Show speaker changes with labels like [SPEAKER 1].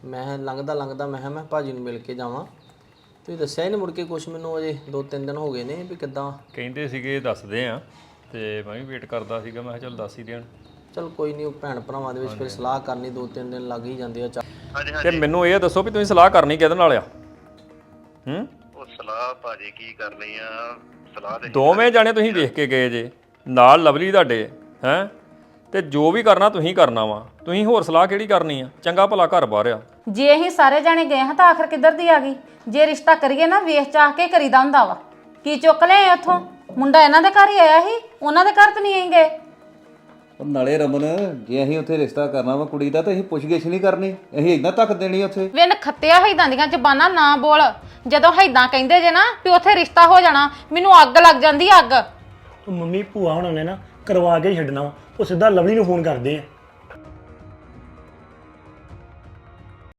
[SPEAKER 1] ਮੈਂ ਲੰਘਦਾ ਲੰਘਦਾ ਮੈਂ ਭਾਜੀ ਨੂੰ ਮਿਲ ਕੇ ਜਾਵਾਂ। ਤੁਸੀਂ ਦੱਸਿਆ ਹੀ ਨਹੀਂ ਮੁੜ ਕੇ ਕੁਛ ਮੈਨੂੰ, ਅਜੇ 2-3 ਦਿਨ ਹੋ ਗਏ ਨੇ ਵੀ ਕਿੱਦਾਂ।
[SPEAKER 2] ਕਹਿੰਦੇ ਸੀਗੇ ਦੱਸਦੇ ਆ, ਤੇ ਮੈਂ ਵੀ ਵੇਟ ਕਰਦਾ ਸੀਗਾ, ਮੈਂ ਕਿਹਾ ਚੱਲ ਦੱਸ ਹੀ ਦੇਣ।
[SPEAKER 1] ਚਲ ਕੋਈ ਨਹੀਂ, ਉਹ ਭੈਣ ਭਰਾਵਾਂ ਦੇ ਵਿੱਚ ਫਿਰ ਸਲਾਹ ਕਰਨੀ 2-3 ਦਿਨ ਲੱਗ ਹੀ ਜਾਂਦੇ ਆ।
[SPEAKER 2] ਤੇ ਮੈਨੂੰ ਇਹ ਦੱਸੋ ਵੀ ਤੁਸੀਂ ਸਲਾਹ ਕਰਨੀ ਕਿਹਦੇ ਨਾਲ ਆ?
[SPEAKER 3] ਉਹ ਸਲਾਹ ਭਾਜੀ ਕੀ ਕਰਨੀ ਆ, ਸਲਾਹ ਤੇ
[SPEAKER 2] ਦੋਵੇਂ ਜਾਣੇ ਤੁਸੀਂ ਵੇਖ ਕੇ ਗਏ ਜੇ, ਨਾਲ ਲਵਲੀ ਤੁਹਾਡੇ ਹੈ, ਤੇ ਜੋ ਵੀ ਕਰਨਾ ਤੁਸੀਂ ਕਰਨਾ ਵਾ। ਤੁਸੀਂ ਹੋਰ ਸਲਾਹ ਕਿਹੜੀ ਕਰਨੀ ਆ? ਚੰਗਾ ਭਲਾ ਘਰ ਬਾਹਰ ਆ।
[SPEAKER 4] ਜੇ ਅਸੀਂ ਸਾਰੇ ਜਾਣੇ ਗਏ ਹਾਂ ਤਾਂ ਆਖਰ ਕਿੱਧਰ ਦੀ ਆ ਗਈ? ਜੇ ਰਿਸ਼ਤਾ ਕਰੀਏ ਨਾ ਵੇਖ ਚਾਹ ਕੇ ਕਰੀਦਾ ਹੁੰਦਾ ਵਾ। ਕੀ ਚੁੱਕ ਲਿਆਏ ਉੱਥੋਂ? ਮੁੰਡਾ ਇਹਨਾਂ ਦੇ ਘਰ ਹੀ ਆਇਆ ਸੀ, ਉਹਨਾਂ ਦੇ ਘਰ ਤਾਂ ਨਹੀਂ ਗਏ।
[SPEAKER 5] ਉਹ ਨਾਲੇ ਰਮਨ, ਜੇ ਅਸੀਂ ਉੱਥੇ ਰਿਸ਼ਤਾ ਕਰਨਾ ਵਾ ਕੁੜੀ ਦਾ ਤਾਂ ਅਸੀਂ ਪੁੱਛ-ਗਿੱਛ ਨਹੀਂ ਕਰਨੀ, ਅਸੀਂ ਇਦਾਂ ਧੱਕ ਦੇਣੀ ਉੱਥੇ।
[SPEAKER 4] ਵਿਨ ਖੱਤਿਆ ਹੈਦਾਂ ਦੀਆਂ ਜ਼ਬਾਨਾਂ ਨਾ ਬੋਲ। ਜਦੋਂ ਹੈਦਾਂ ਕਹਿੰਦੇ ਜੇ ਨਾ ਵੀ ਉੱਥੇ ਰਿਸ਼ਤਾ ਹੋ ਜਾਣਾ, ਮੈਨੂੰ ਅੱਗ ਲੱਗ ਜਾਂਦੀ ਅੱਗ।
[SPEAKER 6] ਉਹ ਮੰਮੀ ਭੂਆ ਹੁਣਾਂ ਨੇ ਨਾ ਕਰਵਾ ਕੇ ਛੱਡਣਾ ਵਾ, ਉਹ ਸਿੱਧਾ ਲਵਲੀ ਨੂੰ ਫੋਨ ਕਰਦੇ ਆ।